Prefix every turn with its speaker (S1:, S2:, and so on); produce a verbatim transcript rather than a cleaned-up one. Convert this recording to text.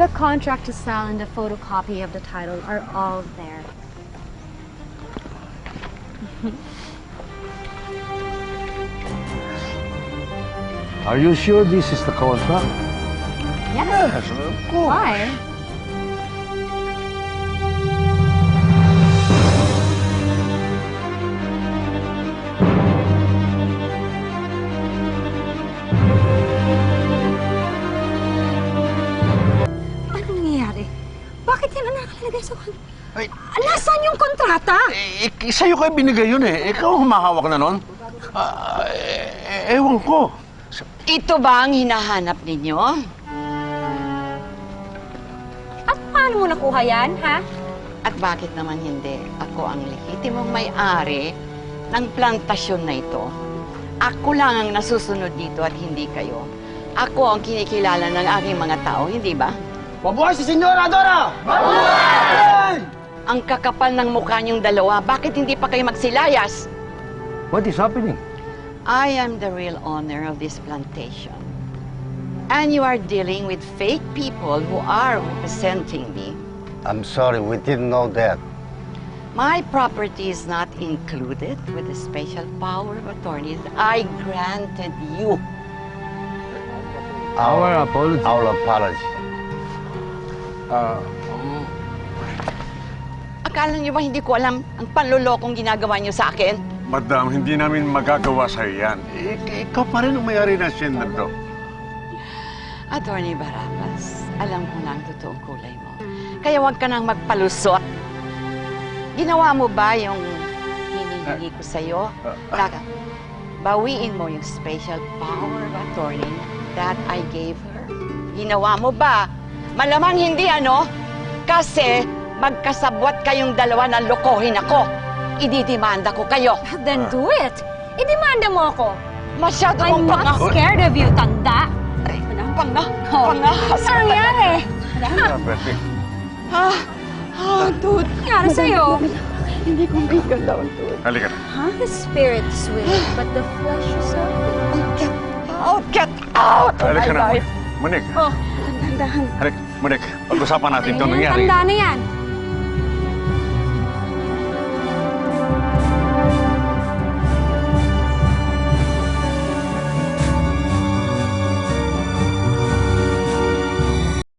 S1: The contract to sell and the photocopy of the title are all there.
S2: Are you sure this is the contract?
S1: Yes.
S2: Yes, of course.
S1: Why?
S3: Anong nangyayari? Bakit yan ang nakalagay sa kon...
S2: Ay,
S3: Nasaan yung kontrata?
S2: eh, eh, sa'yo kayo binigay yun eh. Ikaw ang humahawak na nun. Ah, eh, eh, ewan ko.
S4: Ito ba ang hinahanap ninyo?
S3: At paano mo nakuha yan, ha?
S4: At bakit naman hindi? Ako ang lehitimong may-ari ng plantasyon na ito. Ako lang ang nasusunod dito at hindi kayo. Ako ang kinikilala ng aking mga tao, hindi ba?
S2: Mabuhay si Senyora Dora! Mabuhay!
S4: Ang kakapal ng mukha niyong dalawa, bakit hindi pa kayo magsilayas?
S2: What is happening?
S4: I am the real owner of this plantation. And you are dealing with fake people who are representing me.
S5: I'm sorry, we didn't know that.
S4: My property is not included with the special power of attorney that I granted you.
S2: Our apology.
S5: Our apology.
S2: Ah,
S4: Akala niyo ba hindi ko alam ang panlolokong ginagawa niyo sa akin?
S6: Madam, hindi namin magagawa sa'yo yan.
S2: ik- ikaw pa rin ang may-ari ng sender to.
S4: Attorney Barabbas, alam ko na ang totoong kulay mo. Kaya huwag ka nang magpalusot. Ginawa mo ba yung hinihingi ko sa'yo? Taka, bawiin mo yung special power of attorney that I gave her. Ginawa mo ba? Malamang hindi, ano? Kasi magkasabwat kayong dalawa na lokohin ako. Ididimanda ko kayo.
S3: Then do it. Idemanda mo ako.
S4: Masyado
S3: I'm
S4: kong panga...
S3: not scared of you, tanda.
S4: Ay, panga...
S3: Oh.
S4: Pangahas.
S3: Anong nangyari?
S6: Ah, Bertie.
S4: Ah, ah, dude.
S3: Anong nangyari sa'yo?
S6: Halika na.
S3: The spirit's willing, but the flesh is so weak.
S4: Out, get out! of
S6: Halika
S4: my
S6: na.
S4: life.
S6: Monik.
S3: Oh, dahan-dahan.
S6: Halika. Monik, pag-usapan natin itong nangyari.
S3: Tanda na yan.